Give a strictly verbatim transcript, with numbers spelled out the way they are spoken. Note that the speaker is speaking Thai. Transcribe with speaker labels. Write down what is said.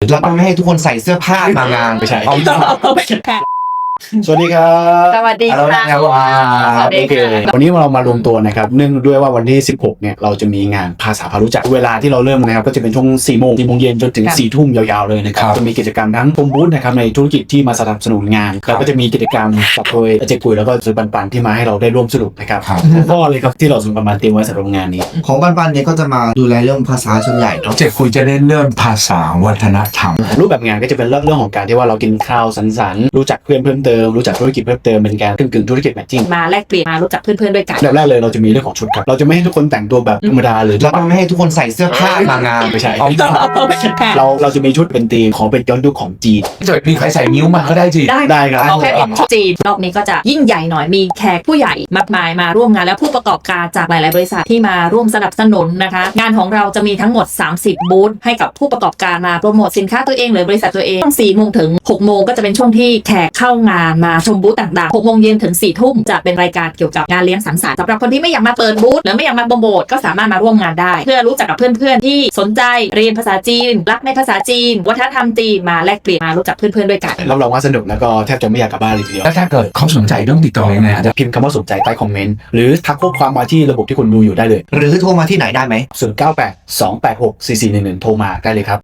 Speaker 1: เราต้องไม่ให้ทุกคนใส่เสื้อผ้ามางานไม่ใช่เอาสวัสดีครับ
Speaker 2: สวัสดีค่ะ
Speaker 1: สวัสดีครับวันนี้เรามารวมตัวนะครับเนื่องด้วยว่าวันที่สิบหกเนี่ยเราจะมีงานภาษาพารู้จักเวลาที่เราเริ่มนะครับก็จะเป็นช่วงสี่โมงสี่โมงเย็นจนถึงสี่ทุ่มยาวๆเลยนะครับจะมีกิจกรรมทั้งพรมบูธนะครับในธุรกิจที่มาสนับสนุนงานแล้วก็จะมีกิจกรรมกับโดยอาจารย์กุยแล้วก็ซื้อปันๆที่มาให้เราได้ร่วมสนุกนะครับข้อเลยครับที่เราส่งประมาณเตรียมไว้สำหรับงานนี้
Speaker 3: ของปันๆเนี่ยก็จะมาดูแลเรื่องภาษาส่วนใหญ่เนาะ
Speaker 4: เจ็ดคุยจะเล่นเรื่องภาษาวัฒนธรรม
Speaker 1: รูปแบบงานก็จะเป็นเรื่องเรื่องของการที่ว่าเรากินข้าวสังสรรค์รู้จักเพื่อนเพิ่มเติมรู้จักธุรกิจเพิ่มเติมเป็นการกึ่งๆธุรกิจแมทชิ่ง
Speaker 2: มาแลกเปลี่ยนมารู้จักเพื่อนๆด้วยกัน
Speaker 1: แบบแรกเลยเราจะมีเรื่องของชุดครับเราจะไม่ให้ทุกคนแต่งตัวแบบธรรมดาเลย
Speaker 3: เราต้องไม่ให้ทุกคนใส่เสื้อผ้ามางาน
Speaker 1: ไม่ใช่
Speaker 2: เรา
Speaker 1: เราเราจะมีชุดเป็นธีมของเป็นย้อนยุคของจีน
Speaker 4: จะมีใครใส่นิ้วมาก็ได้จี
Speaker 2: ได้
Speaker 1: ได้ครับ
Speaker 2: เอาแค่เป็นจีนรอบนี้ก็จะยิ่งใหญ่หน่อยมีแขกผู้ใหญ่มากมายมาร่วมงานและผู้ประกอบการจากหลายๆบริษัทที่มาร่วมสนับสนุนนะคะงานของเราจะมีทั้งหมดสามสิบบูธให้กับผู้ประกอบการมาโปรโมทสินค้าตัวเองหรือบริษัทตัวเองช่วงสี่โมงถึงหกโมงก็จะเป็นช่วงที่แขกเข้างานมาชมบูธต่างๆหกโมงเย็นถึงสี่ทุ่มจะเป็นรายการเกี่ยวกับงานเลี้ยงสังสรรค์สำหรับคนที่ไม่อยากมาเปิดบูธหรือไม่อยากมาโปรโมทก็สามารถมาร่วมงานได้เพื่อรู้จักกับเพื่อนๆที่สนใจเรียนภาษาจีนรักในภาษาจีนวัฒนธรรมจีนมาแลกเปลี่ยนมารู้จักเพื่อนๆด้วยกัน
Speaker 1: รับรองว่าสนุกแล้วก็แทบจะไม่อยากกลับบ้านเลยทีเดียว
Speaker 4: แล้วถ้าเกิดเขาสนใจต้องติดต่อยังไง
Speaker 1: จะพิมพ์คำว่าสนใจใต้คอมเมนต์หรือทักข้อความมาที่ระบบที่คุณดูอยู่ได้เลย
Speaker 3: หรือโทรมาที่ไหนได้ไหม
Speaker 1: ศูนย์ เก้า แปด สอง แปด หก สี่ สี่ หนึ่ง หนึ่งโทรมาได้เลยครับ